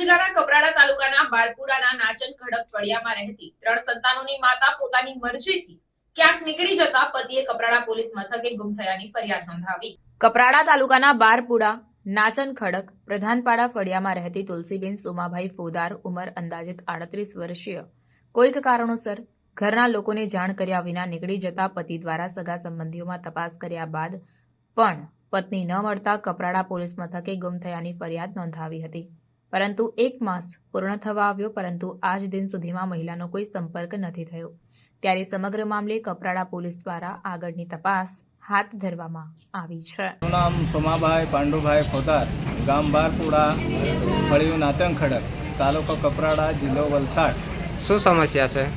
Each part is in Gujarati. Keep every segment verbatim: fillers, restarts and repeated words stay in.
જિલ્લાના કપરાડા તાલુકાના બારપુરાના નાચન ખડક ફળિયામાં રહેતી ત્રણ સંતાનોની માતા પોતાની મરજીથી ક્યાંક નીકળી જતા પતિએ કપરાડા પોલીસ મથકે ગુમ થયાની ફરિયાદ નોંધાવી। કપરાડા તાલુકાના બારપુરા નાચન ખડક પ્રધાનપાડા ફળિયામાં રહેતી તુલસીબેન સોમાભાઈ ફોદાર, ઉંમર અંદાજિત આડત્રીસ વર્ષીય, કોઈક કારણોસર ઘરના લોકોને જાણ કર્યા વિના નીકળી જતા પતિ દ્વારા સગા સંબંધીઓમાં તપાસ કર્યા બાદ પણ પત્ની ન મળતા કપરાડા પોલીસ મથકે ગુમ થયાની ફરિયાદ નોંધાવી હતી। પરંતુ એક માસ પૂર્ણ થવા આવ્યો, પરંતુ આજ દિન સુધીમાં મહિલાનો કોઈ સંપર્ક નથી થયો। ત્યારે સમગ્ર મામલે કપરાડા પોલીસ દ્વારા આગળની તપાસ હાથ ધરવામાં આવી છે। મારું નામ સોમાભાઈ પાંડુભાઈ ફોદાર, ગામ બારપુરા, ફળિયું નાચન ખડક, તાલુકો કપરાડા, જિલ્લો વલસાડ। શું સમસ્યા છે?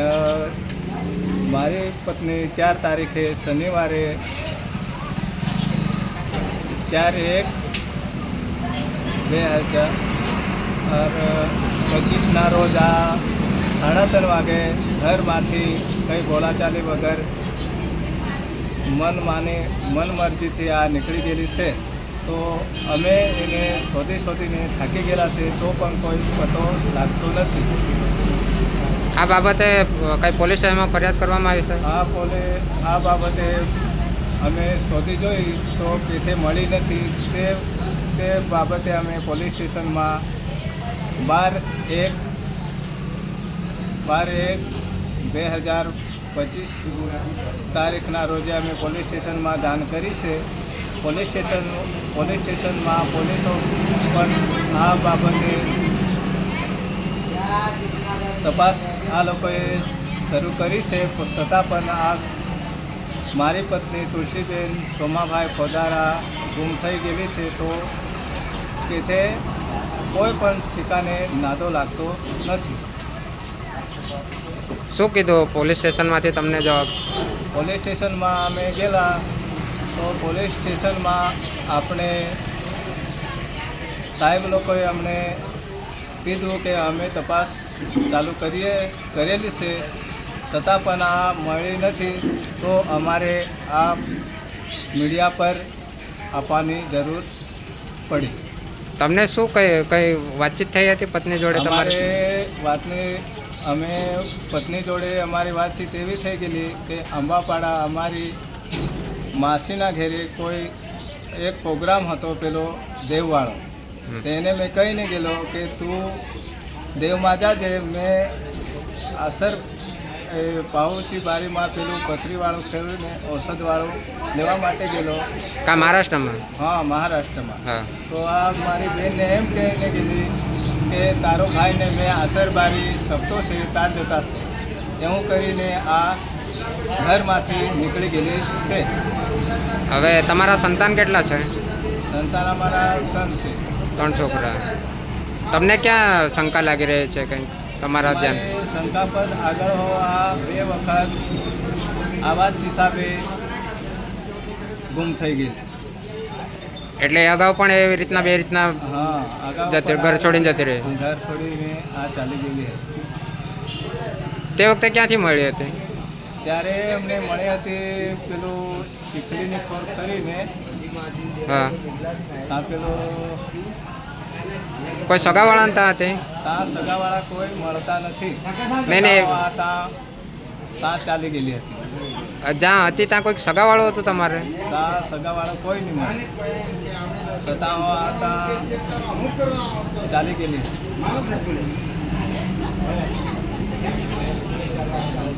મારી પત્ની ચાર તારીખે શનિવારે ચાર એક બે હજાર પચીસના રોજ આ સાડા ત્રણ વાગે ઘરમાંથી કંઈ બોલાચાલી વગર મન માની મન મરજીથી આ નીકળી ગયેલી છે। તો અમે એને શોધી શોધીને થાકી ગયેલા છે, તો પણ કોઈ પતો લાગતો નથી। આ બાબતે કઈ પોલીસ સ્ટેશનમાં ફરિયાદ કરવામાં આવી છે? આ પોલે આ બાબતે અમે શોધી જોઈ તો કેથે મળી નથી। તે તે બાબતે અમે પોલીસ સ્ટેશનમાં બાર એક બાર એક બે હજાર પચીસ તારીખના રોજે અમે પોલીસ સ્ટેશનમાં જાણ કરી છે। પોલીસ સ્ટેશન પોલીસ સ્ટેશનમાં પોલીસો પણ આ બાબતે તપાસ આ લોકોએ શરૂ કરી છે, છતાં પણ આ મારી પત્ની તુલસીબેન સોમાભાઈ ફોદારા ગુમ થઈ ગયેલી છે। તો કે તે કોઈ પણ ઠેકાને નાદો લાગતો નથી। શું કીધું પોલીસ સ્ટેશનમાંથી તમને જવાબ? પોલીસ સ્ટેશનમાં અમે ગયેલા તો પોલીસ સ્ટેશનમાં આપણે સાહેબ લોકોએ અમને કીધું કે અમે તપાસ ચાલુ કરીએ કરેલી છે, છતાં પણ આ મળી નથી। તો અમારે આ મીડિયા પર આપવાની જરૂર પડી। તમને શું કઈ કઈ વાતચીત થઈ હતી પત્ની જોડે? અમારે વાતની અમે પત્ની જોડે અમારી વાતચીત એવી થઈ ગયેલી કે અંબાપાડા અમારી માસીના ઘેરે કોઈ એક પ્રોગ્રામ હતો, પેલો દેવવાળો, તેને મેં કહીને ગયેલો કે તું દેવમાં જાજે। મેં અસર એ પાઉચી બારીમાં પેલું પથરીવાળું ખેડીને ઔષધવાળું લેવા માટે ગયેલો। કા મહારાષ્ટ્રમાં? હા, મહારાષ્ટ્રમાં। હા। તો આ મારી બહેનને એમ કહીને ગયેલી કે તારો ભાઈને મેં આસરબારી સપતો છે તાર જતા છે, એવું કરીને આ ઘરમાંથી નીકળી ગયેલી છે। હવે તમારા સંતાન કેટલા છે? સંતાન અમારા ત્રણ છે। ત્રણ છોકરા। તમને ક્યાં શંકા લાગી રહી છે કંઈ તમારા ધ્યાન? શંકાપદ આગળ હો આ બે વખત આવા જ હિસાબે ગુમ થઈ ગઈ। એટલે અગાઉ પણ એવી રીતના બે રીતના હા, અગાઉ જતી ઘર છોડીને જતી રહી? ઘર છોડીને આ ચાલી ગયેલી હતી। તે વખતે ક્યાંથી મળી હતી? ત્યારે અમને મળી હતી પેલું ચીખલીની ખોર કરીને। હા। ત્યાં પેલો કોઈ સગાવાળા ત્યાં હતી? ત્યાં સગાવાળા કોઈ મળતા નથી। નહીં નહીં, ત્યાં ત્યાં ચાલી ગયેલી હતી। જ્યાં હતી ત્યાં કોઈક સગાવાળો હતો તમારે? ત્યાં સગાવાળા કોઈ નહીં મળે, છતાં ત્યાં ચાલી ગયેલી હતી।